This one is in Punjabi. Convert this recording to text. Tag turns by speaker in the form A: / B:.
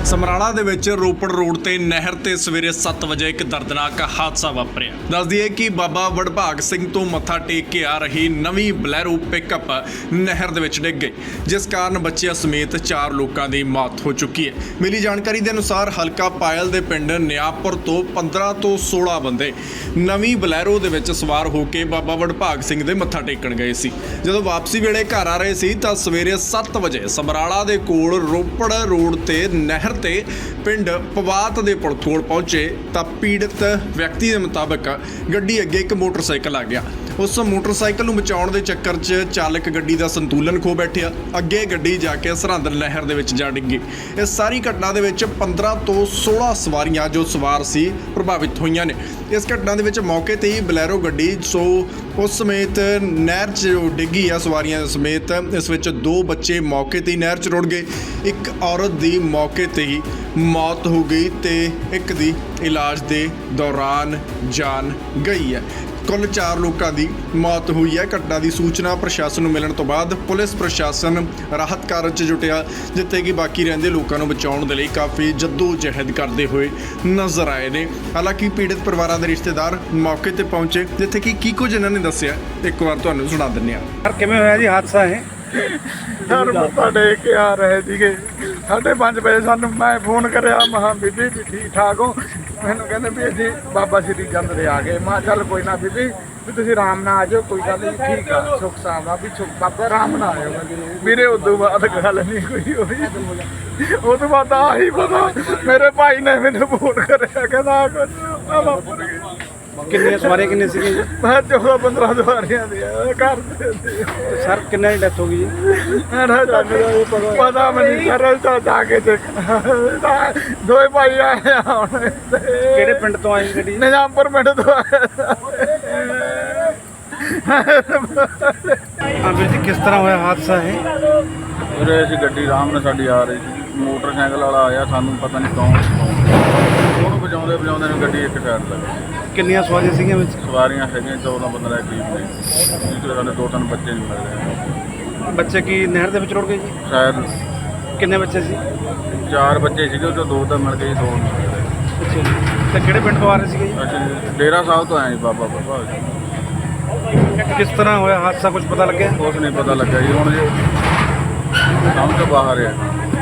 A: ਸਮਰਾਲਾ ਦੇ ਵਿੱਚ ਰੋਪੜ ਰੋਡ ਤੇ ਨਹਿਰ ਤੇ ਸਵੇਰੇ 7 ਵਜੇ ਇੱਕ ਦਰਦਨਾਕ ਹਾਦਸਾ ਵਾਪਰਿਆ। ਦੱਸ ਦਈਏ ਕਿ ਬਾਬਾ ਵਡਭਾਗ ਸਿੰਘ ਤੋਂ ਮੱਥਾ ਟੇਕ ਕੇ ਆ ਰਹੀ ਨਵੀਂ ਬਲੈਰੋ ਪਿਕਅਪ ਨਹਿਰ ਦੇ ਵਿੱਚ ਡਿੱਗ ਗਈ, ਜਿਸ ਕਾਰਨ ਬੱਚਿਆਂ ਸਮੇਤ 4 ਲੋਕਾਂ ਦੀ ਮੌਤ ਹੋ ਚੁੱਕੀ ਹੈ। ਮਿਲੀ ਜਾਣਕਾਰੀ ਦੇ ਅਨੁਸਾਰ ਹਲਕਾ ਪਾਇਲ ਦੇ ਪਿੰਡ ਨਿਆਪੁਰ ਤੋਂ 15 ਤੋਂ 16 ਬੰਦੇ ਨਵੀਂ ਬਲੈਰੋ ਦੇ ਵਿੱਚ ਸਵਾਰ ਹੋ ਕੇ ਬਾਬਾ ਵਡਭਾਗ ਸਿੰਘ ਦੇ ਮੱਥਾ ਟੇਕਣ ਗਏ ਸੀ। ਜਦੋਂ ਵਾਪਸੀ ਵੇਲੇ ਘਰ ਆ ਰਹੇ ਸੀ ਤਾਂ ਸਵੇਰੇ 7 ਵਜੇ ਸਮਰਾਲਾ ਦੇ ਕੋਲ ਰੋਪੜ ਰੋਡ ਤੇ ਨਹਿਰ ਤੇ ਪਿੰਡ ਪਵਾਤ ਦੇ ਪੁਲ ਕੋਲ ਪਹੁੰਚੇ ਤਾਂ ਪੀੜਤ ਵਿਅਕਤੀ ਦੇ ਮੁਤਾਬਕ ਗੱਡੀ ਅੱਗੇ ਇੱਕ ਮੋਟਰਸਾਈਕਲ ਆ ਗਿਆ। ਉਸ ਮੋਟਰਸਾਈਕਲ ਨੂੰ ਬਚਾਉਣ ਦੇ ਚੱਕਰ 'ਚ ਚਾਲਕ ਗੱਡੀ ਦਾ ਸੰਤੁਲਨ ਖੋ ਬੈਠਿਆ। ਅੱਗੇ ਗੱਡੀ ਜਾ ਕੇ ਸਰਹੰਦ ਨਹਿਰ ਦੇ ਵਿੱਚ ਜਾ ਡਿੱਗੀ। ਇਸ ਸਾਰੀ ਘਟਨਾ ਦੇ ਵਿੱਚ 15 ਤੋਂ 16 ਸਵਾਰੀਆਂ ਜੋ ਸਵਾਰ ਸੀ ਪ੍ਰਭਾਵਿਤ ਹੋਈਆਂ ਨੇ। ਇਸ ਘਟਨਾ ਦੇ ਵਿੱਚ ਮੌਕੇ ਤੇ ਹੀ ਬਲੈਰੋ ਗੱਡੀ ਉਸ ਸਮੇਤ ਨਹਿਰ 'ਚ ਡਿੱਗੀ ਆ ਸਵਾਰੀਆਂ ਸਮੇਤ। ਇਸ ਵਿੱਚ 2 ਬੱਚੇ ਮੌਕੇ ਤੇ ਹੀ ਨਹਿਰ 'ਚ ਰੁੜ ਗਏ। ਇੱਕ ਔਰਤ ਦੀ ਮੌਕੇ ਤੇ ਹੀ ਮੌਤ ਹੋ ਗਈ ਤੇ ਇੱਕ ਦੀ ਇਲਾਜ ਦੇ ਦੌਰਾਨ ਜਾਨ ਗਈ ਹੈ। ਕੁੱਲ 4 ਲੋਕਾਂ ਦੀ ਮੌਤ ਹੋਈ ਹੈ। ਘਟਨਾ ਦੀ ਸੂਚਨਾ ਪ੍ਰਸ਼ਾਸਨ ਨੂੰ ਮਿਲਣ ਤੋਂ ਬਾਅਦ ਪੁਲਿਸ ਪ੍ਰਸ਼ਾਸਨ ਰਾਹਤ ਕਾਰਜ 'ਚ ਜੁਟਿਆ, ਜਿੱਥੇ ਕਿ ਬਾਕੀ ਰਹਿੰਦੇ ਲੋਕਾਂ ਨੂੰ ਬਚਾਉਣ ਦੇ ਲਈ ਕਾਫੀ ਜਹਿਦ ਕਰਦੇ ਹੋਏ ਨਜ਼ਰ ਆਏ ਨੇ। ਹਾਲਾਂਕਿ ਪੀੜਤ ਪਰਿਵਾਰਾਂ ਦੇ ਰਿਸ਼ਤੇਦਾਰ ਮੌਕੇ ਤੇ ਪਹੁੰਚੇ, ਜਿੱਥੇ ਕਿ ਕੀ ਕੁਝ ਇਹਨਾਂ ਨੇ ਦੱਸਿਆ ਇੱਕ ਵਾਰ ਤੁਹਾਨੂੰ ਸੁਣਾ ਦਿੰਦੇ ਹਾਂ।
B: ਸਰ ਕਿਵੇਂ ਹੋਇਆ ਜੀ ਹਾਦਸਾ ਇਹ?
C: ਸਰ ਮੱਥਾ ਟੇਕ ਕੇ ਆ ਰਹੇ ਸੀਗੇ 5:30 ਵਜੇ ਸਾਨੂੰ ਮੈਂ ਫੋਨ ਕਰਿਆ, ਮਹਾਂ ਬੀਬੀ ਵੀ ਠੀਕ ਠਾਕ ਹੋ? ਮੈਨੂੰ ਕਹਿੰਦੇ ਵੀ ਅਸੀਂ ਬਾਬਾ ਸ਼੍ਰੀ ਚੰਦ ਦੇ ਆ ਗਏ। ਮੈਂ ਚੱਲ ਕੋਈ ਨਾ ਬੀਬੀ ਵੀ ਤੁਸੀਂ ਆਰਾਮ ਨਾਲ ਆ ਜਾਓ, ਕੋਈ ਗੱਲ ਨਹੀਂ, ਠੀਕ ਆ, ਸੁੱਖ ਸਾਵਾ ਵੀ ਬਾਬਾ ਆਰਾਮ ਨਾਲ ਆਇਓ ਵੀਰੇ। ਉਦੋਂ ਬਾਅਦ ਗੱਲ ਨਹੀਂ ਕੋਈ ਹੋਈ। ਉਹ ਤੋਂ ਬਾਅਦ ਆਹੀ ਪਤਾ ਮੇਰੇ ਭਾਈ ਨੇ ਮੈਨੂੰ ਫੋਨ ਕਰਿਆ, ਕਹਿੰਦਾ ਕੁਝ ਆ ਵਾਪਰ ਗਿਆ।
B: ਕਿੰਨੀਆਂ ਸਵਾਰੀਆਂ ਕਿੰਨੇ ਸੀਗੇ ਜੀ?
C: ਮੈਂ 14-15 ਸਵਾਰੀਆਂ ਦੀ ਘਰ ਦੇ।
B: ਸਰ ਕਿੰਨਾਂ ਦੀ ਡੈਥ ਹੋ ਗਈ ਜੀ?
C: ਪਤਾ ਮੈਨੂੰ ਸਰ ਜਾ ਕੇ ਦੇਖਣਾ। 2 ਭਾਈ ਆਏ ਆ ਹੁਣ।
B: ਕਿਹੜੇ ਪਿੰਡ ਤੋਂ ਆਈ ਗੱਡੀ?
C: ਨਿਜ਼ਾਮਪੁਰ ਪਿੰਡ ਤੋਂ ਆਏ।
B: ਹਾਂ ਵੀਰ ਜੀ, ਕਿਸ ਤਰ੍ਹਾਂ ਹੋਇਆ ਹਾਦਸਾ ਇਹ?
C: ਵੀਰੇ ਅਸੀਂ ਗੱਡੀ ਆਰਾਮ ਨਾਲ ਸਾਡੀ ਆ ਰਹੀ ਸੀ, ਮੋਟਰਸਾਈਕਲ ਵਾਲਾ ਆਇਆ, ਸਾਨੂੰ ਪਤਾ ਨਹੀਂ ਕੌਣ ਉਹਨੂੰ ਵਜਾਉਂਦੇ ਨੂੰ ਗੱਡੀ ਇੱਕ ਸਾਈਡ ਲੱਗ ਗਈ।
B: ਕਿੰਨੀਆਂ ਸਵਾਰੀਆਂ ਸੀਗੀਆਂ ਵਿੱਚ?
C: ਸਵਾਰੀਆਂ ਹੈਗੀਆਂ 14-15 ਦੇ ਕਰੀਬ ਨੇ, ਜਿਸ ਸਾਡੇ 2-3 ਬੱਚੇ ਨਹੀਂ ਮਿਲ ਰਹੇ।
B: ਬੱਚੇ ਕੀ ਨਹਿਰ ਦੇ ਵਿੱਚ ਰੁੜ ਗਏ ਜੀ?
C: ਸ਼ਾਇਦ
B: ਕਿੰਨੇ ਬੱਚੇ ਸੀ?
C: 4 ਬੱਚੇ ਸੀਗੇ, ਉਹ 'ਚੋਂ 2 ਤਾਂ ਮਿਲ ਗਏ, 2 ਨਹੀਂ ਮਿਲ ਰਹੇ।
B: ਅੱਛਾ ਜੀ। ਤੇ ਕਿਹੜੇ ਪਿੰਡ ਤੋਂ ਆ ਰਹੇ ਸੀਗੇ ਜੀ?
C: ਅਸੀਂ ਡੇਰਾ ਸਾਹਿਬ ਤੋਂ ਆਏ ਜੀ, ਬਾਬਾ ਬਾਬਾ।
B: ਕਿਸ ਤਰ੍ਹਾਂ ਹੋਇਆ ਹਾਦਸਾ, ਕੁਝ ਪਤਾ ਲੱਗਿਆ?
C: ਕੁਛ ਨਹੀਂ ਪਤਾ ਲੱਗਾ ਜੀ, ਹੁਣ ਜੀ ਸਮਝ ਤੋਂ ਬਾਹਰ ਹੈ।